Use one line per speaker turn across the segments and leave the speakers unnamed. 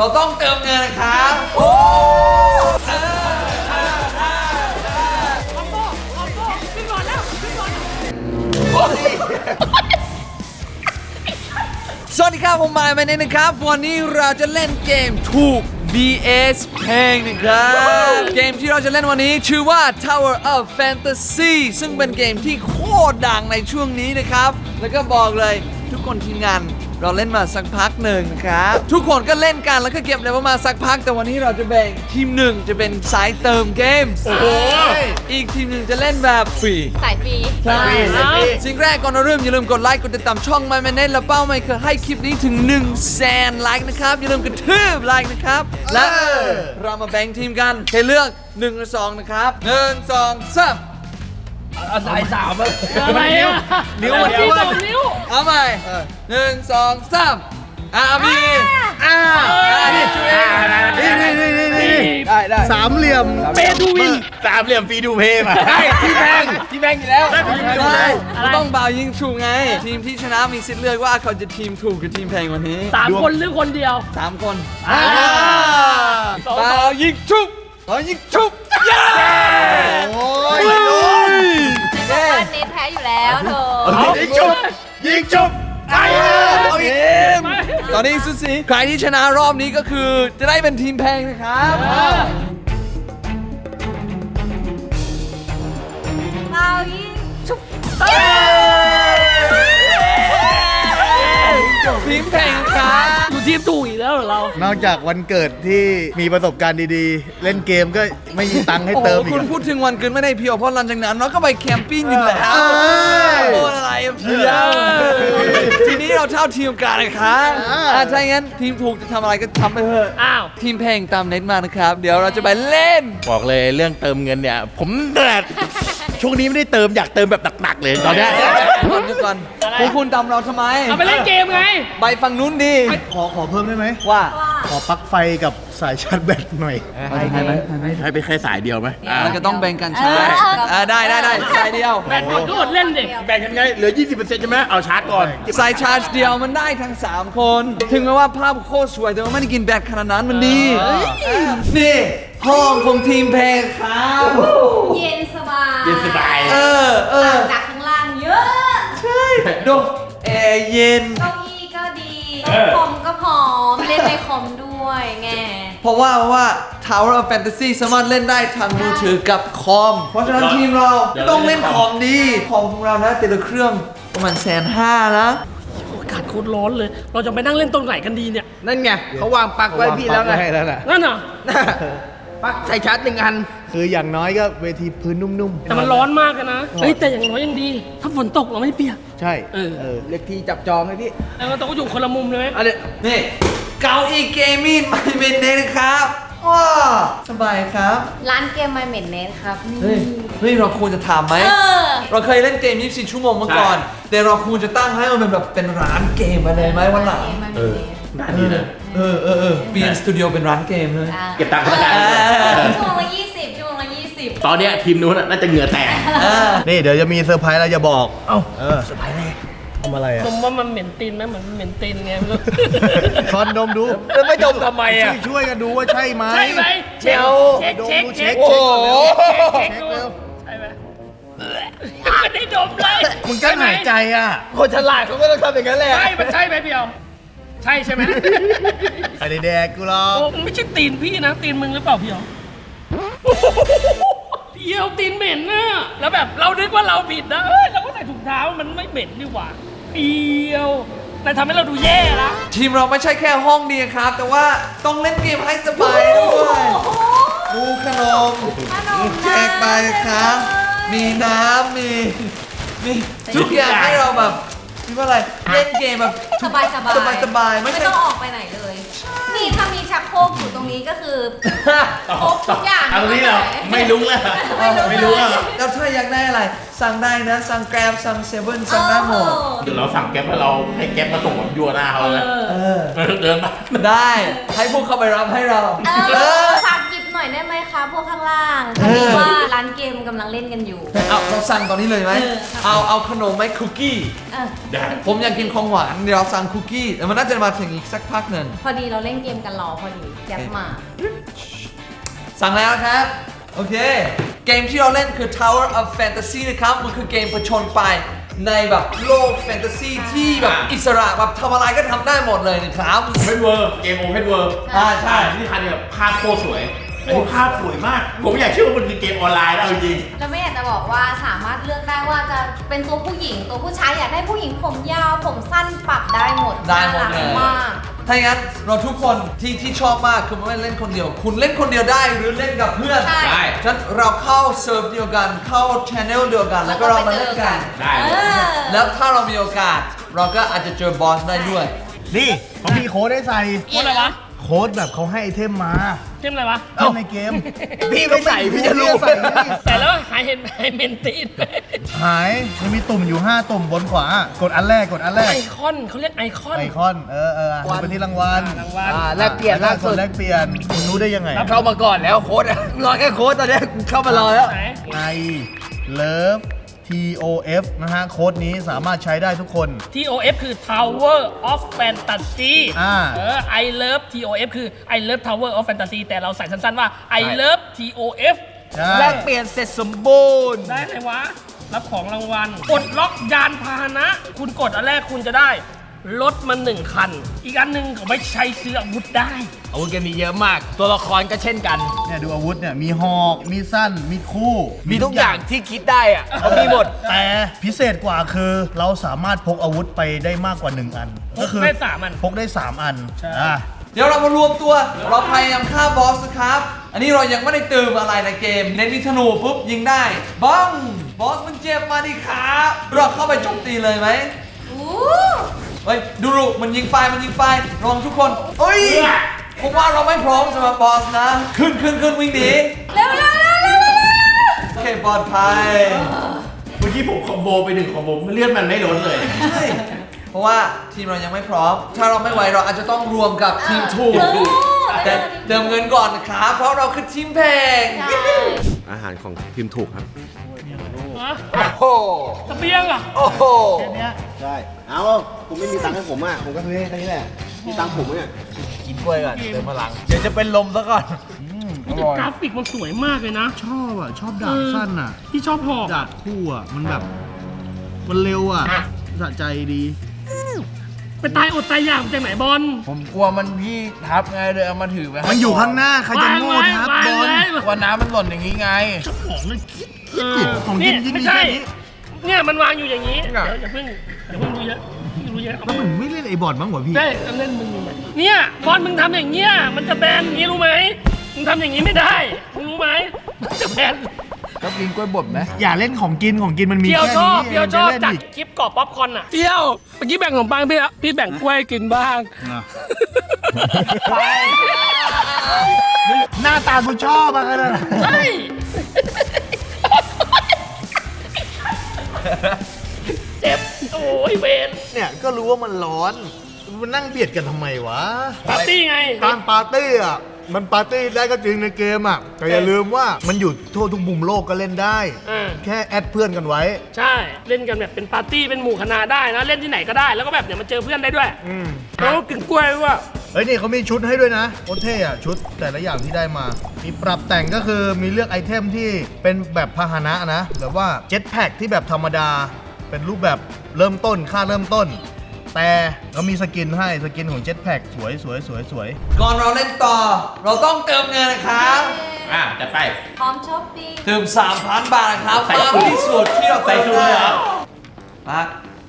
เราต้องเติมเงินนะครับโอ้สวัสดีครับผมมายมาเน่นะครับวันนี้เราจะเล่นเกมถูก BS เพลงนะครับเกมที่เราจะเล่นวันนี้ชื่อว่า Tower of Fantasy ซึ่งเป็นเกมที่โคตรดังในช่วงนี้นะครับแล้วก็บอกเลยทุกคนทีมงานเราเล่นมาสักพักหนึ่งนะครับทุกคนก็เล่นกันแล้วก็เก็บเลเวลมาสักพักแต่วันนี้เราจะแบ่งทีมหนึ่งจะเป็นสายเติมเกมโอ้โหอีกทีมหนึ่งจะเล่นแบบฟรี
สายฟรี
ใช่สิ่งแรกก่อนเราเริ่มอย่าลืมกดไลค์กดติดตามช่อง My Manet และเป้าหมายคือให้คลิปนี้ถึง 100,000 ไลค์นะครับอย่าลืมกระทืบไลค์นะครับและเรามาแบ่งทีมกันให้เลือก1หรือ2นะครับ1 2 3
สายสาม
อะไรอ่ะ
นิ้ว
นิ้ว
เอาใหม่1 2 3มีนี่ช่วย
ได้
สามเหลี่ยม
เปดูวินสามเหลี่ยมฟีดูเพย์มาได้ที่แบงอยู่แล้ว
ต้องเบายิงถูกไงทีมที่ชนะมีสิทธิ์เลือกว่าเขาจะทีมถูกหรือทีมแพงวันนี้
3 คนหรือคนเดียว
3 คนเบายิงถูกเบายิงถูกเย้
โอ้ย
เน็ตแพ้อยู่แล้วเธ
อยิงจุบ
ตอนนี้สุดสีใครที่ชนะรอบนี้ก็คือจะได้เป็นทีมแพงนะครับ
เรายิงชุบ
ทีมแพงครับ
ดูทีมถูกอีกแล้วเรา
นอกจากวันเกิดที่มีประสบการณ์ดีๆเล่นเกมก็ไม่มีตังค์ให้เติมอีก
คุณพูดถึงวันเกิดไม่ได้เพียวเพราะหลังจากนั้นเราก็ไปแคมปิ้งกันแล้วโอ้อะไรเพียวทีนี้เราเท่าทีมกันนะครับถ้าอย่างนั้นทีมถูกจะทำอะไรก็ทำไปเถอะทีมแพงตามเน็ตมานะครับเดี๋ยวเราจะไปเล่น
บอกเลยเรื่องเติมเงินเนี่ยผมช่วงนี้ไม่ได้เติมอยากเติมแบบหนักๆเลยตอนนี้
ก่อนคุณตามเราทำไม
เอาไปเล่นเกมไง
ไปฝั่งนู้นดี
ขอเพิ่มได้ไหม
ว่า
ขอปลั๊กไฟกับสายชาร์จแบตหน่อย
ให้ไปแค่สายเดียวไหม
เราจะต้องแบ่งกันใช่ได้สายเดียว
แบตหมดก็อดเล่นดิ
แบ่งกันไงเหลือ 20% ใช่ไหมเอาชาร์จก่อน
สายชาร์จเดียวมันได้ทั้ง3 คนถึงแม้ว่าภาพโคตรสวยแต่ว่าไม่ได้กินแบตขนาดนั้นมันดีนี่ห้องของทีมแพงครับ
เย็นสบายจากข้างล่างเยอะ
ใช่ดูแอร์เย็น
เก้าอี้ก็ดีคอมก็พร้อมเล่นในคอมด้วยไง
เพราะว่า Tower of Fantasy สามารถเล่นได้ทางมือถือกับคอมเพราะฉะนั้นทีมเราต้องเล่นคอมดีคอมของเรานะแต่ละเครื่องประมาณ150,000นะ
อากาศโคตรร้อนเลยเราจะไปนั่งเล่นตรงไหนกันดีเนี่ย
นั่นไงเขาวางปลั๊กไว้พี่แล้วไง
นั่นเหรอ
ปลั๊กใส่ชาร์จ1 อัน
คืออย่างน้อยก็เวทีพื้นนุ่มๆ
แต่มันร้อนมากนะเฮ้ยแต่อย่างน้อยยังดีถ้าฝนตกเราไม่เปียก
ใช่
เรียกทีจับจองให้พี่
แล้วเราต้องอยู่คนละมุมเลยไหม
นี่เก้าอี้เกมมิ่งไม่เป็นเน็ตครับว้าสบายครับ
ร้านเกมไม่เหม็นเน็ตครับ
เฮ้ยเราควรจะถามไหมเราเคยเล่นเกม24 ชั่วโมงมาก่อนแต่เราควรจะตั้งให้มันแบบเป็นร้านเกมมาเลยไหมวันหลัง
น่าดีเลย
เปลี่ยนสตูดิโอเป็นร้านเกมเลย
เก็บตังค์กัน
ชั่วโมงละ20 ชั่วโมงละ20
ตอนนี้ทีมนู้นน่าจะเหงื่อแตก
นี่เดี๋ยวจะมีเซอร์ไพรส์เราจะบอก
เซอร์ไพรส์แรก
ทำอะไรอ่ะ
ดมว่ามันเหม็นตีนไหมเหมือนเหม็นตีนไงไม่รู้
คอนดมดู
แล้วไม่ดมทำไมอ่ะ
ช่วยกันดูว่าใช่ไหม
ใช่ไหมเช็ค
เช็ค
โอ้ใช่ไหมไม่ได้ดมเลย
มึงกั้นหายใจอ่ะ
คนฉลาดเขาก็ต้องทำอย่างนั้นแหละ
ใช่มันใช่ไหมเพียวใช่ใช่ไหม
ไอ้แดกกูหรอก
ไม่ใช่ตีนพี่นะตีนมึงหรือเปล่าเพียวเพียวตีนเหม็นนะแล้วแบบเราคิดว่าเราผิดนะเราก็ใส่ถุงเท้ามันไม่เหม็นดีกว่าเพียวนายทำให้เราดูแย่ละ
ทีมเราไม่ใช่แค่ห้องดีครับแต่ว่าต้องเล่นเกมให้สบายด้วยดูขนมแจกไปครับมีน้ำมีทุกอย่างให้เราแบบคิดว่าอะไรเล่นเกมแบบ
สบาย
ไม่
ต้องออกไปไหนเลยนี่ถ้ามีชักโครกอยู่ตรงนี้ก็คือครบทุกอย่าง
ตรงนี้เราไม่รู้แล้ว
แล้วถ้าอยากได้อะไรสั่งได้นะสั่งแกร็บสั่งเซเว่นสั่งได้หมด
เดี๋ยวเราสั่งแกร็บแล้วเราให้แกร็บมาส่งแบบยัวหน้าเขาเลยเดินมา
ได้ให้พวกเขาไปรับให้เรา
ฝากหยิบหน่อยได้ไหมคะพวกข้างล่างเพราะว่าร้าน
านเกมกำลังเล่นกันอยู่
เอาเราสั่งตอนนี้เลยไหม เอาขนมไหมคุกกี้
เออ
ผมอยากกินของหวานเดี๋ยวเราสั่งคุกกี้แต่มันน่าจะมาถึงอีกสักพักหนึ่ง
พอดีเราเล่นเกมกันรอพอดีแก๊ปมา
สั่งแล้วครับ โอเค เกมที่เราเล่นคือ Tower of Fantasy นะครับ มันคือเกมผจญไปในแบบโลกแฟนตาซีที่แบบอิสระแบบทำอะไรก็ทำได้หมดเลยนะครับ
เพนเวอร์เกมโอเพนเวอร์
ใช่
ที่คันเนี่ยภาพโคตรสวยอันนี้ภาพสวยมาก ผมอยากเชื่อว่ามันคือเกมออนไลน์แล้วจริง
แล้วไม่อยากจะบอกว่าสามารถเลือกได้ว่าจะเป็นตัวผู้หญิงตัวผู้ชายอยากได้ผู้หญิงผมยาวผมสั้นปรับได้หมด
ได้หมดเลย
น่ารักมาก
ถ้าอย่างนั้นเราทุกคนที่ชอบมากคือไม่เล่นคนเดียว คุณเล่นคนเดียวได้หรือเล่นกับเพื่อน
ใช่
ๆ ได้
ฉะนั้นเราเข้าเซิร์ฟเดียวกันเข้าช anel เดียวกัน แล้วก็เรามาเล่นกัน
ได้
เออ
แล้วถ้าเรามีโอกาส เราก็อาจจะเจอบอสได้ด้วย
นี่เขามีโค้ดให้ใส่
โค้ดอะไรวะ
โค้ดแบบเขาให้ไอเทมมา
เทมอะไรวะ
เล่นในเกม
พี่ไม่ใส่พี่จะรู้
ใส่นี่
แต่แล้วหายเห็นหายเมนตีน
หายมันมีตุ่มอยู่ 5 ตุ่มบนขวากดอันแรกกดอันแร
ไอก คอนเขาเรียกไอคอน
ไอคอนดูไปที่รางวัล
รางวัล
แลกเปลี่ยนล่าสุด
แลกเปลี่ยนคุณรู้ได้ยังไง
เข้ามาก่อนแล้วโค้ดรอแค่โค้ดตอนนี้เข้ามารอแล้ว
ไหน
I love TOF นะฮะโค้ดนี้สามารถใช้ได้ทุกคน
TOF คือ Tower of Fantasy I love TOF คือ I love Tower of Fantasy แต่เราใส่สั้นๆว่า I love TOF
ใช่
แลกเปลี่ยนเสร็จสมบูรณ์
ได้เลยวะ รับของรางวัลกดล็อกยานพาหนะ คุณกดอันแรกคุณจะได้รถมา1 คัน อีกอันหนึ่งเขาไม่ใช้ซื้ออาวุธได้
อาวุธเกมมีเยอะมาก ตัวละครก็เช่นกัน
เนี่ยดูอาวุธเนี่ยมีหอกมีสั้นมีคู่
มีทุกอย่างที่คิดได้อะเขามีหมด
แต่พิเศษกว่าคือเราสามารถพกอาวุธไปได้มากกว่า 1 อัน ก็คื
ได้3 อัน
พกได้ 3 อัน
ใช่
เดี๋ยวเรามารวมตัว เราพยายามฆ่าบอสนะครับ อันนี้เรายังไม่ได้เติมอะไรในเกม เน้นมีธนูปุ๊บยิงได้บ้องบอสมันเจ็บมาดิครับเราเข้าไปโจมตีเลยไหม
อู้
เฮ้ยดูมันยิงไฟระวังทุกคนเอ้ยผมว่าเราไม่พร้อมสำหรับบอสนะ ขึ้นวิ่งหนี
เร็วเร็วเร็วเร็วเร็ว
โอเคปลอดภัย
เมื่อกี้ผมคอมโบไป1 คอมโบเลือดมันไม่ล้นเลย
ใช่เพราะว่าทีมเรายังไม่พร้อม ถ้าเราไม่ไหวเราอาจจะต้องรวมกับทีมถูก แต่เติมเงินก่อนนะครับ เพราะเราคือทีมแพง
ใช่
อาหารของทีมถูกครับ
ฮะ
โอ้โห
เสเบียงอ่ะ
โอ้โห
ใช่ เอาผมไม่มีตังค์ให้ผมอ่ะ ผมก็ซื้อให้แค่นี้แหละ มีตังค์ผมไหมเนี่ย
กินกล้วยก่อนเติมพลัง เดี๋ยวจะเป็นลมซะก่อน
แต่กราฟิกมันสวยมากเลยนะ
ชอบอ่ะ ชอบดาบสั้นอ่ะ
ที่ชอบหอก
ดาบคู่อ่ะ มันแบบ มันเร็วอ่ะสะใจดี
ไปตายอดตายอยากจากไหนบอล
ผมกลัวมันพี่ทับไงเลยเอามาถือไว้ให้
มันอยู่ข้างหน้า ใครจะโง่ทับบอล
วันน้ำมันหล่นอย่างนี้ไง
ของเลยคิด
ของจริงๆ
ไม่
มี
ใช่
แค่นี้
เนี่ยมันวางอยู่อย่างนี้
อ่ะ
เดี๋ยวอย่าเพิ่งดูเยอะดูเยอะ
แล้วมึงไม่เล่นไอ้บอลบ้างเหรอพี่
ได้เล่นมึงอยู่ไหมเนี่ยบอลมึงทำอย่างเงี้ยมันจะแบนอย่างนี้รู้ไหมมึงทำอย่างนี้ไม่ได้มึงรู้ไหมมันจะแบน
ก็กินกล้วยบดไหม
อย่าเล่นของกินมันมี
เพียว
แค่
ชอ
นี้
บเพียวชอบ
จะ
จัด
เล่นอีก
คลิปกรอบป๊อปคอร์นอ่ะเพียวเมื่อกี้แบ่งขนมปังพี่แบ่งกล้วยกินบ้าง
อ่ะ หน้าตากูชอบอะกันนะ
ใช่ เจ็บโอ้ยเวน
เนี่ยก็รู้ว่ามันร้อนมันนั่งเบียดกันทำไมวะ
ปาร์ตี้ไง
การปาร์ตี้อ่ะ มันปาร์ตี้ได้ก็จริงในเกมอ่ะ แต่อย่าลืมว่ามันอยู่ทั่วทุกมุมโลกก็เล่นได้
อ่า
แค่แอดเพื่อนกันไว้
ใช่เล่นกันแบบเป็นปาร์ตี้เป็นหมู่คณะได้นะเล่นที่ไหนก็ได้แล้วก็แบบเดี๋ยวมาเจอเพื่อนได้ด้วย
อืม
แล้วก็กินกล้วยด้วย
เฮ้ยนี่เขามีชุดให้ด้วยนะโคตรเท่อะชุดแต่ละอย่างที่ได้มา มีปรับแต่งก็คือมีเลือกไอเทมที่เป็นแบบพาหนะนะแบบว่าเจ็ตแพ็กที่แบบธรรมดา เป็นรูปแบบเริ่มต้นค่าเริ่มต้น แต่เรามีสกินให้สกินของเจ็ตแพ็กสวยสวยสวยสวย
ก่อนเราเล่นต่อ เราต้องเติมเงินนะครับ
จัดไป
พร้อมช้อปปิ้ง
เติม 3,000 บาทนะครับ
ใส่
มาก
สูตร
ที่สุดที่เรา
ใส่
เติม
สูตร
ได้
เลยเหรอ
มา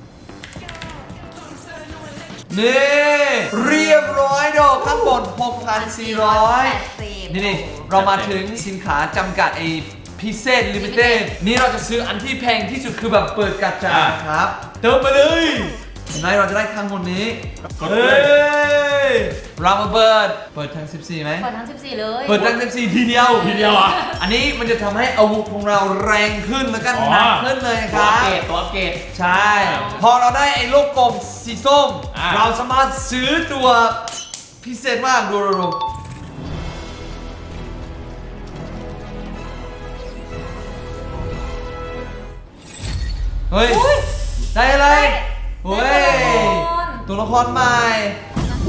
นี่เรียบร้อยดอกข้างบน 6,400 นี่เรามาถึงสินค้าจำกัดไอพิเศษลิมิเต็ดนี่เราจะซื้ออันที่แพงที่สุดคือแบบเปิดกระจาครับ เติมไปเลยเห็นไหมเราจะได้ทั้งหมดนี้
กดเลย
ยเรามาเปิดทั้ง 14ไหม
เปิดทั้ง 14 เลย
เปิดทั้ง 14 ทีเดียว
ทีเดียวเหรอ
อันนี้มันจะทำให้อาวุธของเราแรงขึ้นแล้วก็หนักขึ้นเลยนะค
ตัว
รับ
เกตตัวเกต
ใช่ พอเราได้ไอ้โลกกลมสีส้ม
อ่า
เราสามารถซื้อตัวพิเศษมากดูเฮ้ย ได้อะไร เฮ้ย ตัวละครใหม่ โอ้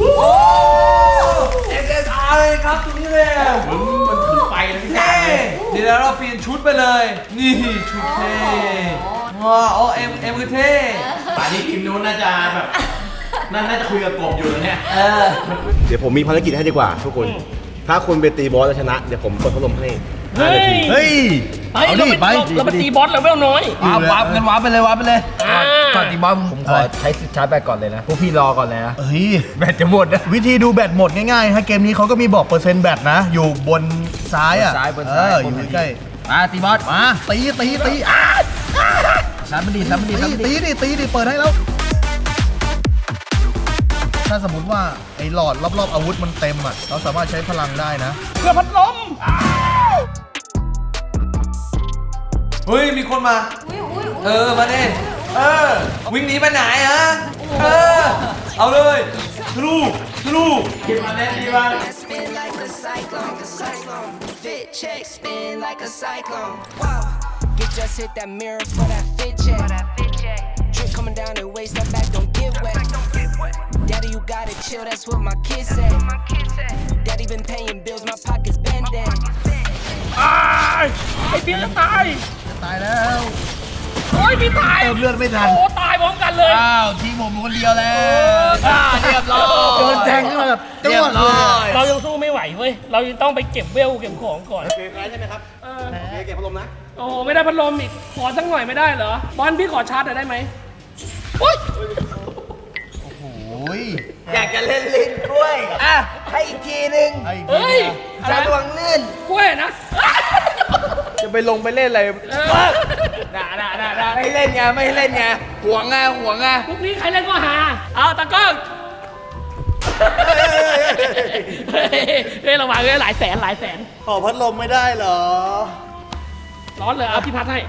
SSR เลยครับตรงนี้เลย
มันถือไฟเลยพี่
เท่เดี๋ยวเราเปลี่ยนชุดไปเลย นี่ชุดเท่ว้าวเอ็มคือเท่
ป่านนี้ทีมนู้นน่าจะแบบน่าจะคุยกับกบอยู่เนี่ย
เดี๋ยวผมมีภารกิจให้ดีกว่าทุกคน ถ้าคุณไปตีบอสแล้วชนะ เดี๋ยวผมเปิดพัดลมให้
เฮ้ย
เฮ้ย
ไป
เอา
เรา
ดิ
ไป
ไป
เราไปตีบอสเลเวลน้อย
วาร์ปกันวาร์ปไปเลยวาร์ปไปเลย
ก่อนตีบอส
ผมขอใช้สิทธิ์ชาร์จแบตก่อนเลยนะ พวกพี่รอก่อนเลยนะ
เฮ้ย
แบตจะหมดนะ
วิธีดูแบตหมดง่ายๆฮะเกมนี้เขาก็มีบอกเปอร์เซ็นต์แบตนะ อยู่บนซ้ายอ่ะ
บนซ้าย
อยู่ใกล้
มาตีบอส
ๆมาตีอ่ะ
ชาร์จมันดีชาร์จมันดีชาร์จมันดี
ตีดิเปิดให้แล้ว ถ้าสมมติว่าไอ้หลอดรอบๆอาวุธมันเต็มอ่ะเราสามารถใช้พลังได้นะ
เพื่อพัดลม
เฮ้ย มีคนมา มาดิวิ่งหนีไปไหนฮะ เอาเลยทะลุ
Spin like a cyclone. Fit check, spin like a cyclone. Wow. Get just hit that mirror for that fit check. Drip coming down the waist, that back don't get wet. Daddy, you gotta chill, that's what my kids say. Daddy been paying bills, my pockets bending.
ไอ้เบียร์จะตาย
ตายแล้ว
โอ้ยพี่ตาย
เติมเลือดไม่ทัน
โอ้ตายพร้อมกันเลย
อ้าวทีมผมคนเดียวแล้ว
เรียบร้อย
โดนแทงขึ้นมาแบบจ้วงเลย
เรายังสู้ไม่ไหวเว้ย เรายังต้องไปเก็บเวลเก็บของก่อน
เกมแล้วใช่ไหมครับเกมพัดลมนะ
โอ้ไม่ได้พัดลมอีก ขอสักหน่อยไม่ได้เหรอ บอลพี่ขอชาร์จหน่อยได้ไหมโอ๊ย
โอ้ย
อยากจะเล่นลิ้นกล้วย อ่ะ ให้อีกทีนึง
ไอ้
เฮ้ย
สะดวกลื่น
กล้วยนะ
จะไปลงไปเล่นอะไร ด่าไม่เล่นไงไม่เล่นไงห่วงไง
พวกนี้ใครเล่นก็หา เอาตะกล้องเฮ้ยระวังเลยหลายแสน
ขอพัดลมไม่ได้เหรอ
ร้อนเลย เอาพี่พัดให้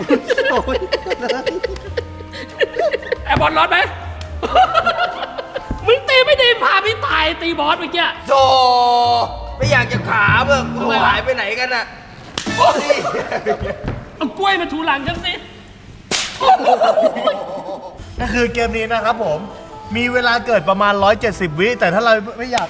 แอร์บอลร้อนไหม มึงตีไม่ดีพาพี่ตายตีบอสเมื่อกี้
โธ่ไม่อยากจะขาเบิกหายไปไหนกันอ่ะ
เอากล้วยมาถูหลังฉันสิ
ก็คือเกมนี้นะครับผม มีเวลาเกิดประมาณ 170 วิ แต่ถ้าเราไม่อยาก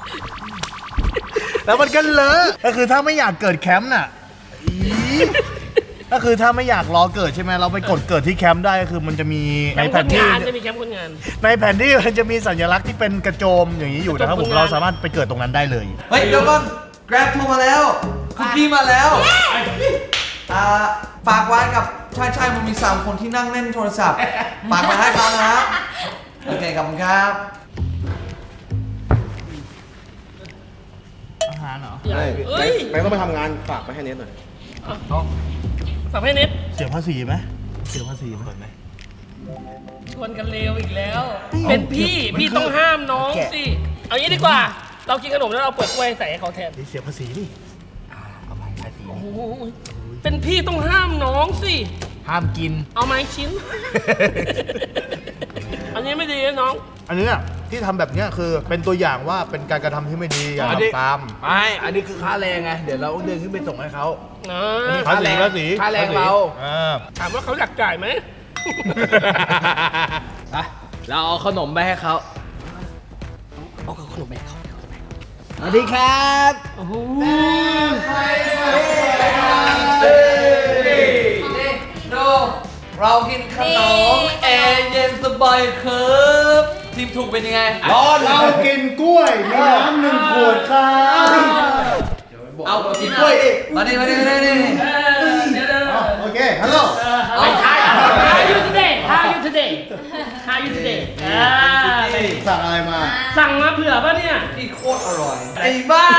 แล้วมันก็เลอะก็คือถ้าไม่อยากเกิดแคมป์น่ะอีก็คือถ้าไม่อยากรอเกิดใช่ไหมเราไปกดเกิดที่แคมป์ได้ก็คือมันจะมีในแผนที่
จะมีแคมป์คนงาน
ในแผนที่มันจะมีสัญลักษณ์ที่เป็นกระโจมอย่างนี้อยู่นะครับผมเราสามารถไปเกิดตรงนั้นได้เลย
เฮ้ย เดี๋ยวก่อน Grab โทรมาแล้ว คุกกี้มาแล้ว ฝากไว้กับใช่มันมี3คนที่นั่งเล่นโทรศัพท์ ฝากมาให้เขานะครับ โอเค ขอบคุณครับ
อาหารเหรอ
เอ้ย
แบงค์ต้องไปทำงานฝากไปให้เน็ตหน่อย
ฝากให้เน็ต
เสียภาษีไหมเสียภาษีไหม
ชวนกันเลวอีกแล้ว เป็นพี่ต้องห้ามน้องสิ เอางี้ดีกว่า เรากินขนมแล้วเราเปิดกล้วยใส่ให้เขาแทน
เสียภาษีนี่
โอ้โหเป็นพี่ต้องห้ามน้องสิ
ห้ามกิน
เอาไม้ชิ้น อันนี้ไม่ดีนะน้อง
อันนี้ที่ทำแบบเนี้ยคือเป็นตัวอย่างว่าเป็นการกระทำที่ไม่ดีอย่า
อันนี้
ทำตาม
ไม่ อันนี้คือค่าแรงไง เดี๋ยวเราต้องเดินขึ้นไปส่งให้เขา
นะ
ภาษี
ค่าแรงเรา
ถามว่าเขาอยากจ่ายไหม
เราเอาขนมไปให้เขาเอาขนมไปให้เขาสวัสดีครับ
โอ้โห
ดูเรากินขนมแอร์เย็นสบายครับทีมถูกเป็นยังไง
เรากินกล้วยมีน้ำ1 ขวดครับ
เอากินกล้วยดิมาดิ
เดี๋ยว
โอเค ฮัลโหล
How are you today How are you today How are you today
สั่งอะไรมา
สั่งมาเผื่อป่ะเนี่ย
ที่โคตรอร่อย ไอ้บ้า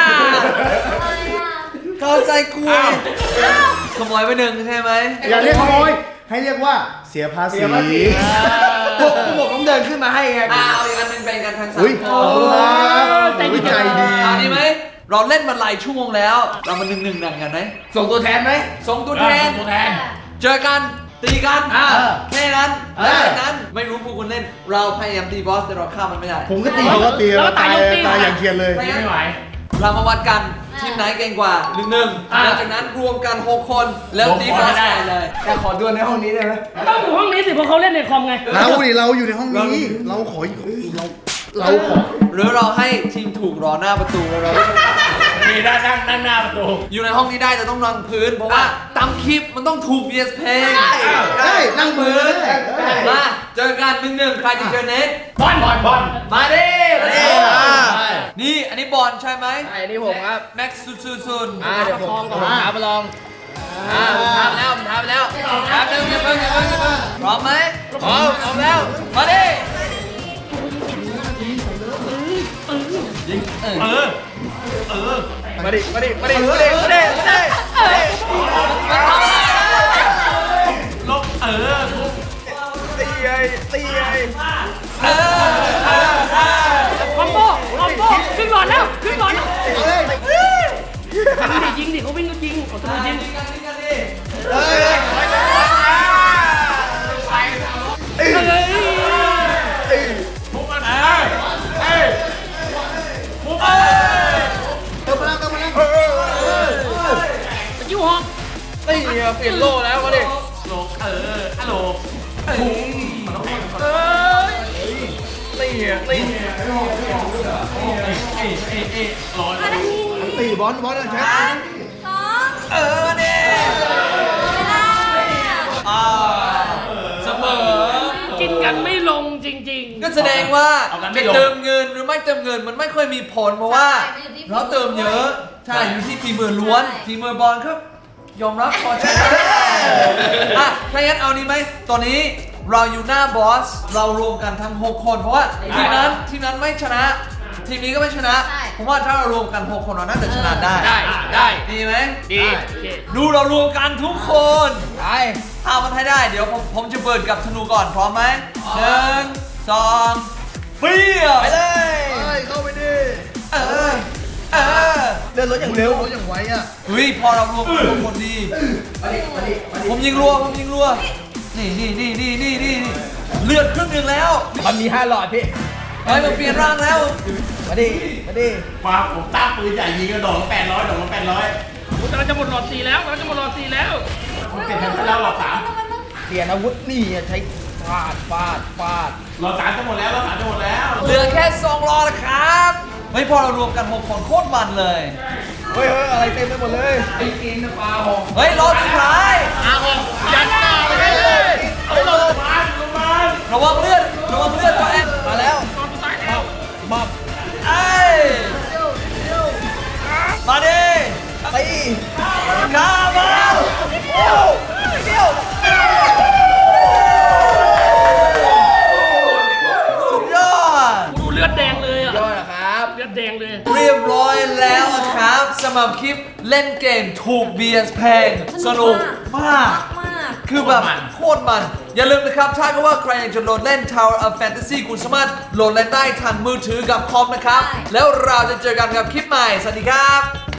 เข้าใจกล้วยขโมยไป1ใช่ไหม
อย่าเรียกขโมย ให้เรียกว่าเสียภาษี
พวกผมต้องเดินขึ้นมาให้ไง
เอาอีกอันหนึงเป็นกันทางสัง
อุ้ย
ค
ขอบ
ม
คุณครับ
ใจดี
ใจดี
เอาดีไหม เราเล่นมาหลายชั่วโมงแล้ว เรามา1-1หนังกันไหม
ส่งตัวแทนไหม
ส่งตัวแทน เจอกัน ตีกัน แค่นั้นหลังจากนั้นไม่รู้พวกคุณเล่น เราพยายามตีบอสแต่เราฆ่ามันไม่ได้
ผมก็ตีเขาก็ตี
แล้ว
เรา
ตาย
ตาย
ยกตี
ตายอย่างเทียนเลย
ไม่ไหวเรามาวัดกันทีมไหนเก่งกว่า1-1หลังจากนั้นรวมกัน 6 คนแล้วตีบอสไปเลย
แต่ขอดวลในห้องนี้ได้ไหม
ต้องอยู่ห้องนี้สิเพราะเขาเล่นในคอมไง
เราดิเราอยู่ในห้องนี้ เราขอเราขอ
หรือเราให้ทีมถูกรอหน้าประตูแล้วเรา
นี่นั่งหน้าประตู
อยู่ในห้องนี้ได้แต่ต้องนั่งพื้น เพราะว่าตามคลิปมันต้องถูก VS เพลง
ได้นั่งมือได้
มาเจอกัน1-1ใครจะเจอเน็ต
บอล
มาดิมาดิ
ใช่
นี่อันนี้บอลใช่ไหม
ไอ้นี่ผมครับ
แม็กซ์ซุน
เดี๋ยวผมท้าไปลองผมทำแล้ว
ครับเดี๋ยวอย่าเพิ่งพร้อมไหม
พร้อมแล้ว
มาดิ
มาดิ
คอมโบขึ้นก่อนแล้วยิงดิเขาวิ่งก็ยิงเขาจะยิง ยูฮอก
นี่เปลี่ยนโล่แล้วมาดิ
ตีบอลนะแชท
เสมอ
กินกันไม่ลงจริง
ก็แสดงว่าจะเติมเงินหรือไม่เติมเงินมันไม่ค่อยมีผลเพราะว่าเราเติมเยอะใช่อยู่ที่ฝีมือล้วนฝีมือบอลครับยอมรับพอใช่ไหมอ่ะถ้างั้นเอานี้ไหมตอนนี้เราอยู่หน้าบอสเรารวมกันทั้ง 6 คนเพราะว่าทีมนั้นไม่ชนะ ทีมนี้ก็ไม่ชนะผมว่าถ้าเรารวมกัน 6 คนเราน่าจะชนะได้
ได้
ดีไหม
ดี
ดูเรารวมกันทุกคน
ไป
เอามันให้ได้เดี๋ยวผมจะเปิดกับธนูก่อนพร้อมไหม1 2เปรี้ยว
ไปเลย
เข้าไปดิ
เออ
เดินรถอย่างเร็ว
เขาอย่างไวอ่ะ
เฮ้ยพอเรารวมกันทุกคนดีผมยิงรัวนี่เลือดครึ่งหนึ่งแล้ว
มันมี5หลอดพี่
เฮ้ยมันเปลี่ยนร่างแล้ว
มาดิ
มาผมตั้งปืนใหญ่ยิงกระโดดละ800ดอกละ800
เราจะหมดหลอด4แล้ว
ผมเก็บทันแล้วหลอด3
เปลี่ยนอาวุธนี่ใช้ฟาด
หลอด3จะหมดแล้วหลอด3จะหมดแล้ว
เหลือแค่2รอแล้วครับเฮ้ยพอเรารวมกัน 6 คนโคตรมันเลย
เฮ้ยอะไรเต็มไปหมดเลย
เฮ้ยรอสุดท้าย
ยันหน้าไปเลย
ระวังเลือดตัวเอง
มาแล้ว
ไอ้มาดิ
ตี
ข้ามาสุดยอด
ดูเลือดแดงเลยอ่ะ
ยอดนะครับ
เลือดแดงเลย
เรียบร้อยแล้วนะครับสำหรับคลิปเล่นเกมถูก BS แพงสนุกมาก คือแบบโคตรมัน อย่าลืมนะครับ ถ้าก็ว่าใครอยากจะโหลดเล่น Tower of Fantasy คุณสามารถโหลดเล่นได้ทางมือถือกับคอมนะครับ แล้วเราจะเจอกันกับคลิปใหม่ สวัสดีครับ